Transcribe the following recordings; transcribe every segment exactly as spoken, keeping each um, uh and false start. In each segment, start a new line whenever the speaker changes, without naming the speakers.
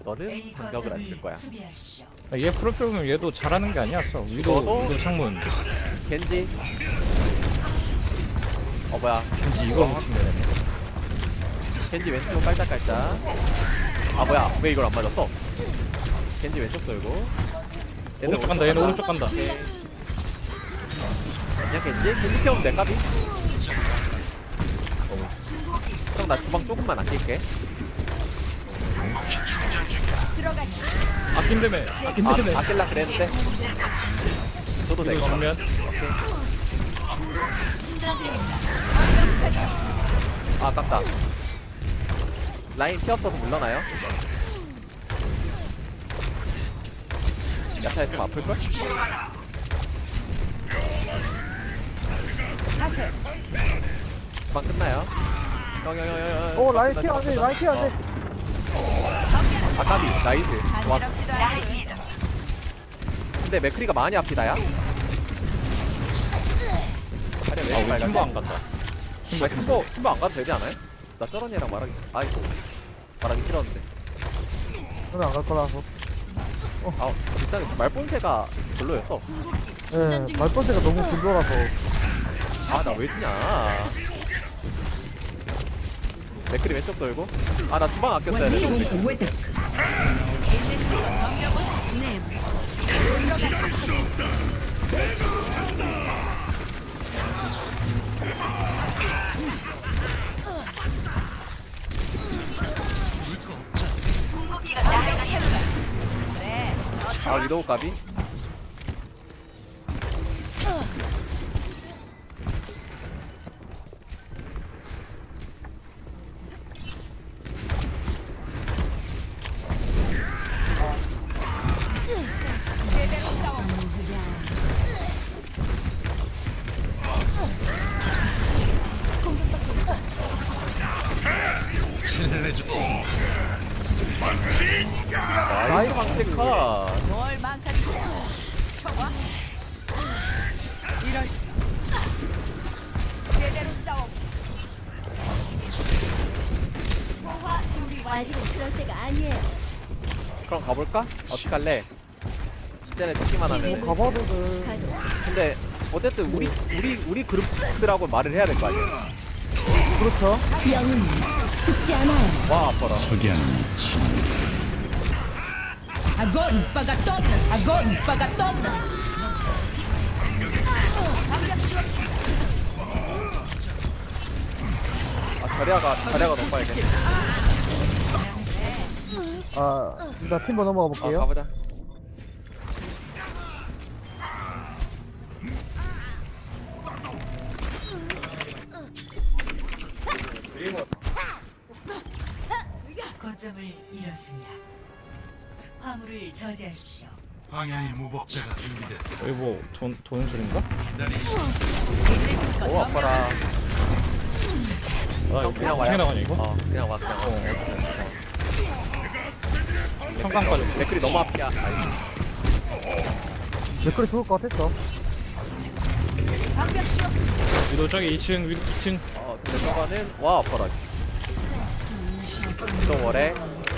너는 반격을 안 줄 거야.
아, 얘 프로필 보면 얘도 잘하는 게 아니었어. 위도
너도?
위도 창문.
겐지. 어 뭐야?
왠지 이걸 못 챙겨내.
겐지 왼쪽 깔짝깔짝. 아 뭐야? 왜 이걸 안 맞았어? 겐지 왼쪽 돌고. 얘는
오른쪽 간다. 얘는 오른쪽 간다.
그냥 겐지? 겐지 태우면 돼 까비? 형 나 주방 조금만 아낄게.
아낀다며.
아,
아낀다며.
아낄라 그랬는데. 저도 될
위도
거.
정면.
오케이. 아 아깝다. 라인 피 없어서 물러나요? 야타 있으면 아플걸? 금방 끝나요. 영영영영.
오 라인 케어 안돼 라인 케어 안돼.
아까비 나이스. 와. 근데 맥크리가 많이 아프다야. 아니 왜
아,
이렇게
우리 팀버 안
빨갛지?
간다.
아, 팀버 팀버 안 가도 되지 않아요? 나 저런 얘랑 말하기 아이고 말하기 싫었는데.
저는 안갈 거라서.
아 일단 말본새가 별로였어.
예, 말번째가 너무 굴러라서.
아 나 왜 지냐. 맥크리 왼쪽 돌고. 아 나 주방 아꼈어야 되는데. 아 위도우 까비? 나이스 방패카.
뭘 망설이지? 쳐봐. 이럴 수 없어. 제대로 싸워.
아직은 그럴 때가 아니에요.
그럼 가볼까? 어떻게 할래? 이제는 듣기만 하면.
뭐 가봐도 돼.
가도
근데 어쨌든 우리 우리 우리 그룹들하고 말을 해야 될 거 아니야.
그렇죠.
영은 죽지 않아요.
와 아파라.
Agora paga todas. Agora paga todas.
아 자리아가 자리아가 너무 빨개.
아, 일단 팀버 넘어가
아
볼게요.
가보자.
거점을 잃었습니다. 화물을 저지하십시오.
방향의 무법자가 준비됐다.
여기 뭐 돈, 도는 소린가?
오 아파라.
아
형
이거
그냥
어떻게
와요.
나가냐 이거?
어 그냥 와 그냥 와.
성강 빠져.
댓글이 너무 앞이야. 아이고.
댓글이 좋을 것 같았어.
위도 저기 이 층 위도 이 층.
어 근데 저거는 와 아파라. 또 월에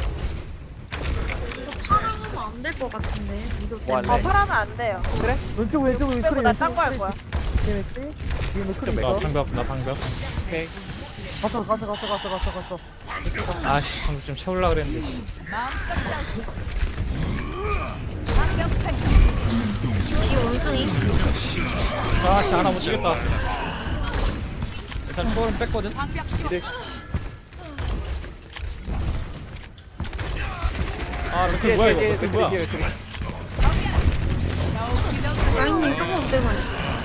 파라는 안될 것 같은데. 이도
뭐 할래?
어, 파라는 안 돼요.
그래?
왼쪽 왼쪽 왼쪽
빼고 나딴거할 거야.
뒤에 맥지? 뒤에 맥크리
나
있어.
방벽 나 방벽.
오케이.
갔어 갔어 갔어 갔어 갔어 갔어.
아씨 방금 좀 채울라 그랬는데. 씨.
뒤 원숭이.
아씨 하나 못 치겠다. 일단 초월은 뺐거든.
이제
아 맥클
뒤에
뭐야
뒤에
이거?
뒤에
맥클 뭐야?
뒤에 뒤에.
라인님 조금 때문에.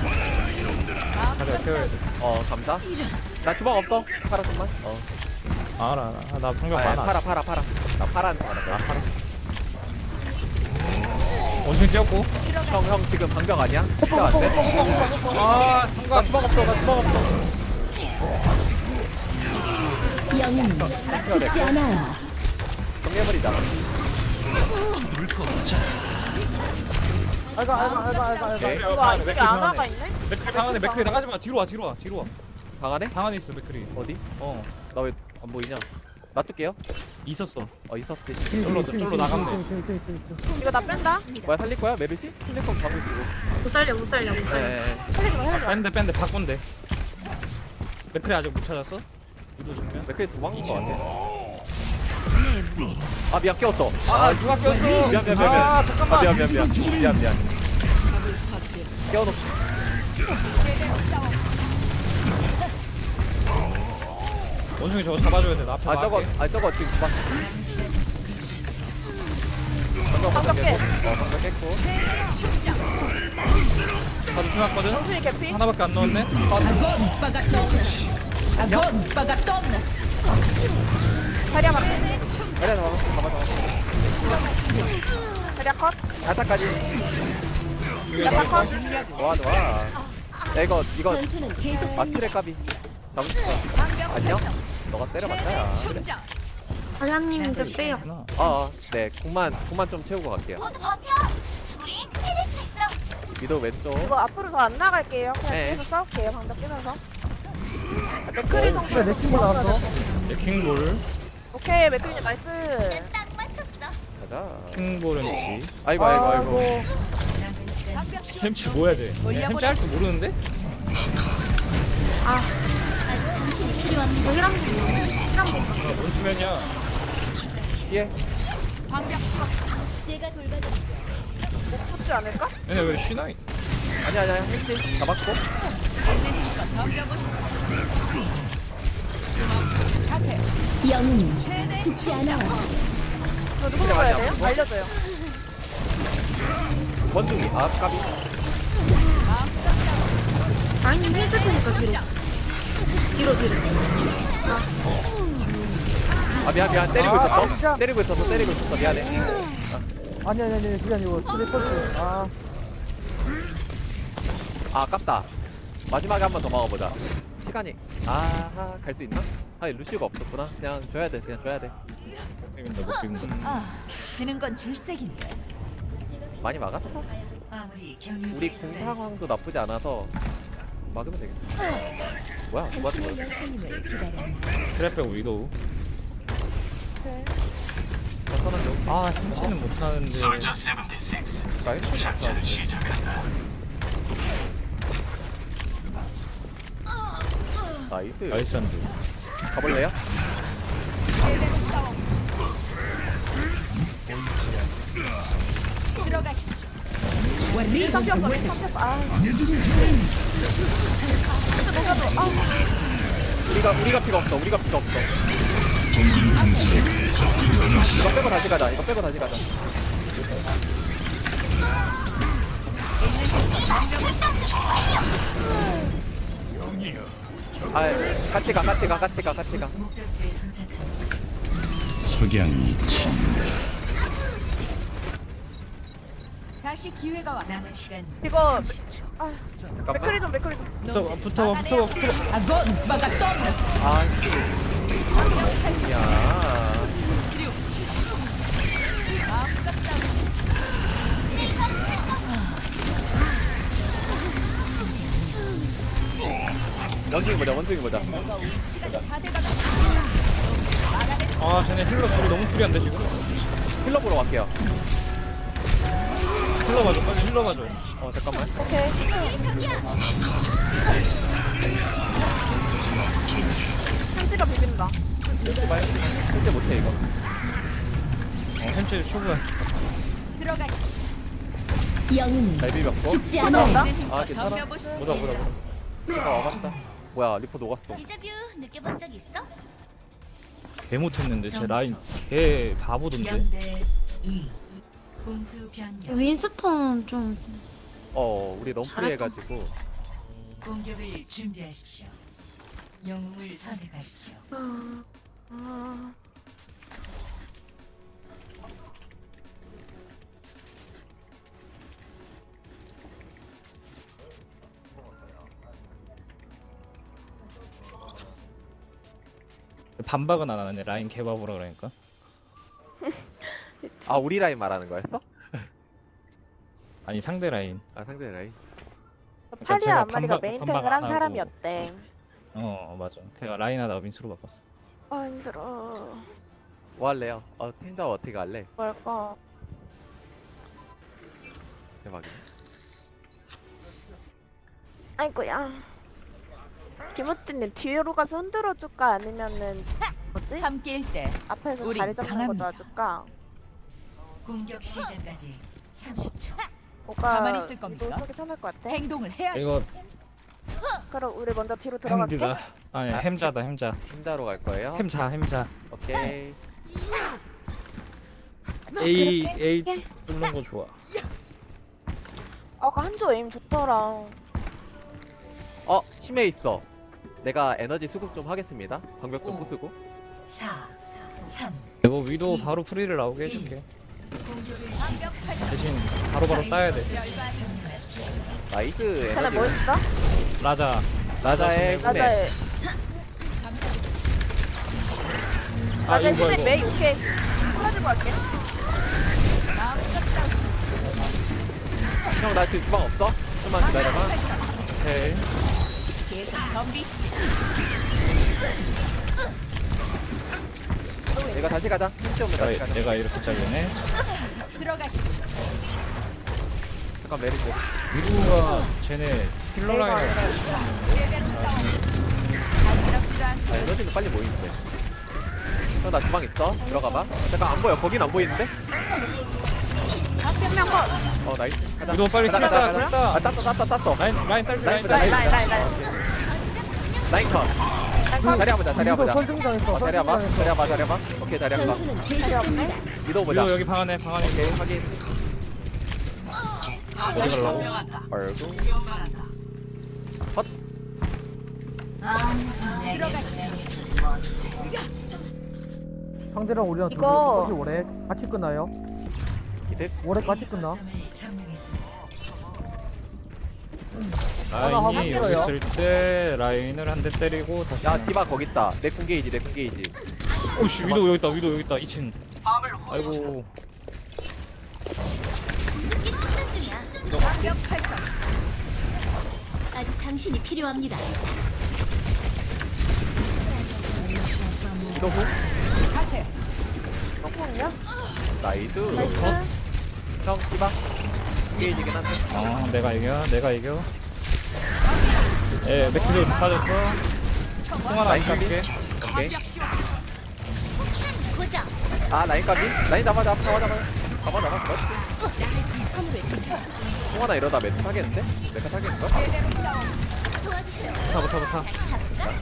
가자 세워야 돼.
어 감자. 나 주방 없어. 파라 좀만. 어.
아, 알아 알아. 나 방벽
아,
많아.
파라 파라 파라. 나 파라한테 말할
아
거야.
팔아. 원숭이 뛰었고.
형, 형 지금 방벽 아니야? 필요 안 돼?
아
나
성광.
주방 없어, 나 주방 없어.
영은 죽지 않아요.
정리해버리자.
알가 알가 알가 알가 알가.
오케이.
이거 아, 이게 아나가 있네?
맥클 방 안에 맥클 나가지 마. 뒤로 와 뒤로 와 뒤로 와.
방 안에?
방 안에 있어 맥클이.
어디?
어.
나 왜 안 보이냐? 놔둘게요.
있었어.
어 있었지.
쫄로 쫄로 나가면 돼.
이거 나 뺀다.
뭐야 살릴 거야 메르시? 살릴 거면 가고 있고.
못 살려 못 살려 못 살려.
네.
살리지 마 살리지 마.
뺀데 뺀데 바꾼대. 맥크리 아직 못 찾았어? 위도 정면.
맥클이 도망간 거 같아. 아 미안 깨웠어.
아 누가 꼈어?
미안 미안 미안 미안.
아 잠깐만.
아, 미안 미안 미안 미안 미안. 깨워놓.
원숭이 저거 잡아줘야 돼. 나 앞에
아 저거
막을게.
아 저거 지금 막. 저거
방금 깨.
어 방금 깼고.
나도 죽었거든.
원숭이 개피.
하나밖에 안 넣었네.
Agora pagatonas. Agora pagatonas.
자리야 맞.
자리야 잡아 잡아 잡아.
자리야 컷.
갈타까지.
자리야 컷.
좋아 좋아. 야 이거 이거
전투는 계속
마트레 까비. 잡을 수 있어. 안녕. 너가 때려봤자야. 그래.
사장님 좀 빼요.
하나.
어, 네, 공만 공만 좀 채우고 갈게요. 미도 왼쪽.
이거 앞으로 더 안 나갈게요. 그냥
네.
뒤에서 싸울게요. 방벽 끼면서. 맥크리
어, 진짜 내 친구 나왔어.
네, 킹볼.
오케이 맥크리님 나이스.
가자.
킹볼은 지.
아이고 아이고 아이고.
남은 시간
햄치 뭐 해야 돼? 햄치 할 줄 모르는데? 뭔 수면이야?
뒤에.
제가 돌봐드리죠.
못 붙지 않을까?
얘네 왜 쉬나?
아니 아니 아니. 햄치 잡았고.
영웅은 죽지 않아요.
저 누구 먹어야 돼요? 알려줘요.
원숭이. 아 까비.
아니님 힐줄 테니까 뒤로. 뒤로 뒤로.
아 미안 미안. 때리고
아,
있었어.
진짜.
때리고 있었어. 때리고 있었어. 미안해.
아니 아니 아니 그게 아니고 트리플스. 아
아 아깝다. 마지막에 한 번 더 막아보자. 시간이. 아하 갈 수 있나? 아 루시가 없었구나. 그냥 줘야 돼. 그냥 줘야 돼.
못 비빈다 못 비빈다.
지는 건 질색인데.
많이 막았어.
화물이 경유
우리 공 상황도 나쁘지 않아서 막으면 되겠다. 뭐야? 누가
당신의
거
열쇠님을 기다려.
트랩 빼고 위도우.
선언
아 햄치는 못하는데.
나이스. 나이스.
나이스 한데.
가볼래요?
힐 삼켰어. 힐 삼켰어. 아.
우리가 우리가 피가 없어. 우리가 피가 없어. 이거 빼고 다시 가자. 이거 빼고 다시 가자. 아, 같이 가, 같이 가, 같이 가, 같이 가.
목적지에 도착합니다.
석양이
다시 기회가 와.
남은 시간
이거
삼십 초.
아
잠깐만.
맥크리 좀 맥크리 좀.
붙어 붙어 붙어 붙어.
Agora pagatonas.
아, 야. 원숭이 보자, 원숭이 보자.
아 쟤네 힐러 둘이 너무 프리한데 지금.
힐러 보러 갈게요.
힐러 봐줘 빨리 힐러 봐줘.
어, 잠깐만.
오케이. 햄찌가 비빈다.
힐러 봐요. 실제 못해, 이거.
어 햄치 초보야.
들어가.
영웅은
잘 비볐고.
죽지 않아요.
아, 괜찮아. 보자, 보자, 보자. 아, 와봤다. 뭐야, 리포 녹았어.
데자뷰 느껴본 적 있어?
개 못했는데 쟤 라인 개 바보던데.
연대 이 공수 변경
윈스턴은 좀.
어, 우리 너무 프리해가지고.
공격을 준비하십시오. 영웅을 선택하십시오.
아.
반박은 안 하네 라인 개 바보라 그러니까.
아, 우리 라인 말하는 거였어?
아니 상대 라인.
아, 상대 라인.
그러니까 제가
파리아 안마리가
반박-
메인탱을
반박
한
안 하고.
사람이었대.
어 맞아. 걔가 라인 하다가 민수로 바꿨어.
아 힘들어.
뭐 할래요? 어 텐더 어떻게 할래?
뭘까?
대박이네.
아이고야. 김호띠님 뒤로 가서 흔들어 줄까 아니면은 뭐지?
함께일 때
앞에서
우린
자리 잡는 거
강합니다.
도와줄까?
공격 시작까지 삼십 초.
뭐가
가만히 있을 겁니까?
위도 속이 편할 것 같아?
행동을 해야죠.
이거
그럼 우리 먼저 뒤로 들어갈게.
햄디다. 아니
아,
햄자다 햄자.
힘자로 갈 거예요?
햄자 햄자.
오케이.
A
그렇게?
A
예.
뚫는 거 좋아.
아까 한조 에임 좋더라.
어 힘에 있어. 내가 에너지 수급 좀 하겠습니다. 방벽 좀
오.
부수고.
사, 삼,
이거 위도 바로 프리를 나오게 해줄게.
공격을 시작.
대신 바로바로 따야 돼.
점령하십시오.
나이스
쟤네 뭐
에너지.
있어?
라자.
라자의 힘에.
맞아요.
아
맞아
이거
힘내
이거.
메이 오케이. 풀어주고 갈게.
형 나 지금 주방 없어? 좀만 기다려봐.
오케이.
계속 덤비시지.
내가 다시 가자. 힘좀
내가
다시 가자.
내가 이렇게 잘리네.
들어가십시오.
잠깐 메리트.
위도가 쟤네 힐러 라인.
간지럽지도 않고
아 에너지는 빨리 모이는데. 형 나 주방 있어? 들어가봐. 잠깐 안 보여. 거긴 안 보이는데?
한명 컷.
어 나이스. 가자.
위도 빨리
가자,
킬다
가자, 가자.
킬다.
아 땄어 땄어 땄어.
라인 라인 딸지 라인
라인
딸지.
라인 라인 라인 라인.
라인 컷. 자리 해보자 자리
위도
해보자.
선승당했어.
어, 자리 해봐 자리
선승당했어.
해봐 자리 해봐. 오케이 자리 해봐.
전투는 계속됩니다.
위도 보자.
위도 여기 방 안에 방 안에.
오케이 확인.
어디 가려고?
얼굴. 컷.
상대랑 우리랑 둘이
이거-
똑같이 오래 같이 끝나요.
이득.
오래 같이 끝나.
점을 점령했습니다.
하고
라인이 여기
있어요.
있을 때 라인을 한 대 때리고 다시.
야 디바 거기 있다. 내 궁게이지 내 궁게이지.
오씨 위도 여기 있다 위도 여기 있다 이 층. 아이고.
아직 당신이 필요합니다.
위도 후.
가세요.
똥콩이야? 나이스.
나이스.
형 디바. 궁게이지긴 한데.
어 내가 이겨 내가 이겨. 예 맥트도 빠졌어. 통 하나 안
라인 까비.
줄게.
오케이.
고정.
아 라인 까비. 라인 잡아 잡아 잡아 잡아. 잡아 잡아. 그렇지. 통 하나 이러다 메트 타겠는데? 메카 타겠는가?
도와주세요.
부타 부타 부타.
다시 잡자.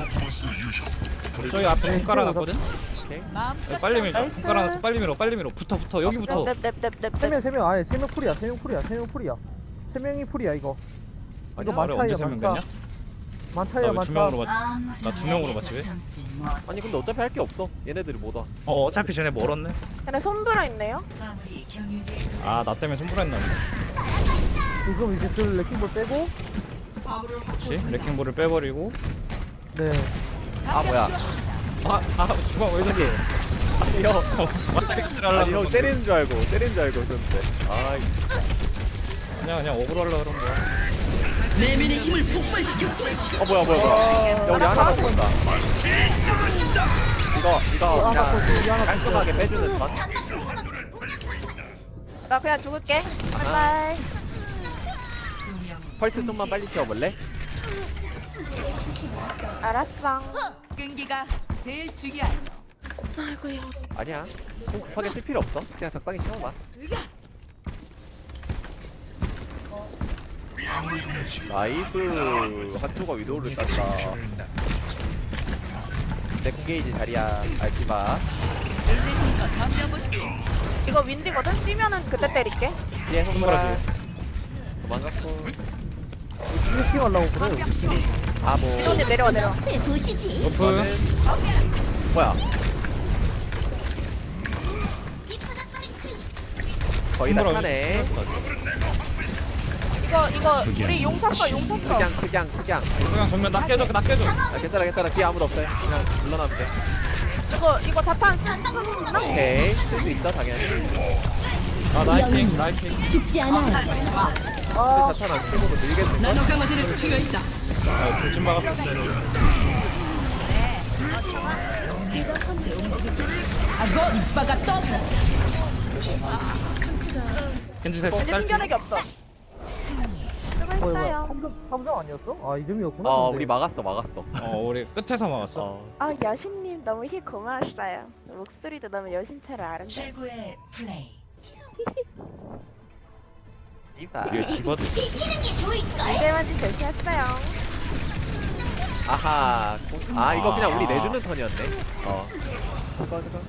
저기 앞에 손 깔아놨거든.
오케이.
마음껏
빨리 밀자.
나이스.
손 깔아놨어 빨리 밀어 빨리 밀어. 붙어 붙어 여기 붙어.
넵넵넵넵넵.
세 명 세 명 아예 세 명 풀이야. 세 명 풀이야. 세 명 풀이야. 세 명이 풀이야 이거.
아니야?
이거
그래 언제
많차야
세명
많차.
됐냐?
많차야
나왜 두
많차.
명으로 봤? 나 두 명으로 봤지 왜?
아니 근데 어차피 할 게 없어. 얘네들이 못 와.
어 어차피 쟤네 멀었네.
근데 손브라 있네요.
마무리 경유제.
아 나 때문에 손불했나 보네.
지금 이제 그 레킹볼 빼고.
그렇지? 레킹볼을 빼버리고.
네.
아 뭐야?
아아 주방 왜 저기?
아니 형.
왔다리를
아니
하려고.
형 때리는 줄 알고 때리는 줄 알고 그런데. 아
그냥 그냥 어그로 하려고 그런 거야.
어 뭐야 뭐야 뭐야. 야 우리 하나 갖고 온다. 이거 이거
하나
그냥
더, 우리 하나 더.
깔끔하게 빼주는 건.
나 그냥 죽을게. 바이바이.
두명
펄스 좀만 빨리 채워볼래?
알았어.
끈기가 제일 중요하죠.
아이고야.
아니야. 꼭 급하게 쓸 필요 없어. 그냥 적당히 채워봐. 나이스. 한조가 위도우를 땄다. 내 궁게이지 자리야. 알지마.
이제 힘껏 덤벼보시죠.
이거 윈디거든? 뛰면은 그때 때릴게.
뒤에 손보라.
손보라지.
도망갔고.
스위칭 하려고 그래.
바보.
이거님 내려와 내려와.
네, 보시지.
오프.
너는 뭐야? 거의 다
손보라
차네.
이거 이거 우리 용 샀어 용 샀어.
그냥 그냥 그냥.
그냥 정면 나 깨져 나 깨져.
아, 괜찮아 괜찮아. 뒤에 아무도 없어요. 그냥 물러나면 돼.
이거 이거 자탄 쓰나?
오케이. 쓸 수 있어 당연히. 근데
아 나이팅 나이팅.
죽지 않아요.
자탄 안 쓰고도 밀겠는걸?
아 돌진 막았어.
제가 함께 움직이죠.
Agora paga todas.
겐지 살
겐지
딸.
숨겨내기 없어.
어, 이거
수고했어요.
삼점, 삼점 아니었어? 아, 이점이었구나.
어
근데.
우리 막았어 막았어.
어 우리 끝에서 막았어.
어
아 여신님 너무 힐 고마웠어요. 목소리도 너무 여신처럼 아름다워.
최고의 플레이.
이봐.
이거 집어도
비키는 게 좋을걸.
이대만지 조시했어요.
아하. 공- 아 이거 그냥 우리 내주는 턴이었네. 어. 잠깐 잠깐.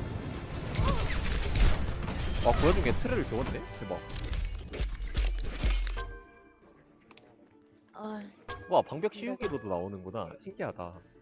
와 보여준 게 트를 좋은데? 대박.
어,
와 방벽 씌우기로도 나오는구나. 신기하다.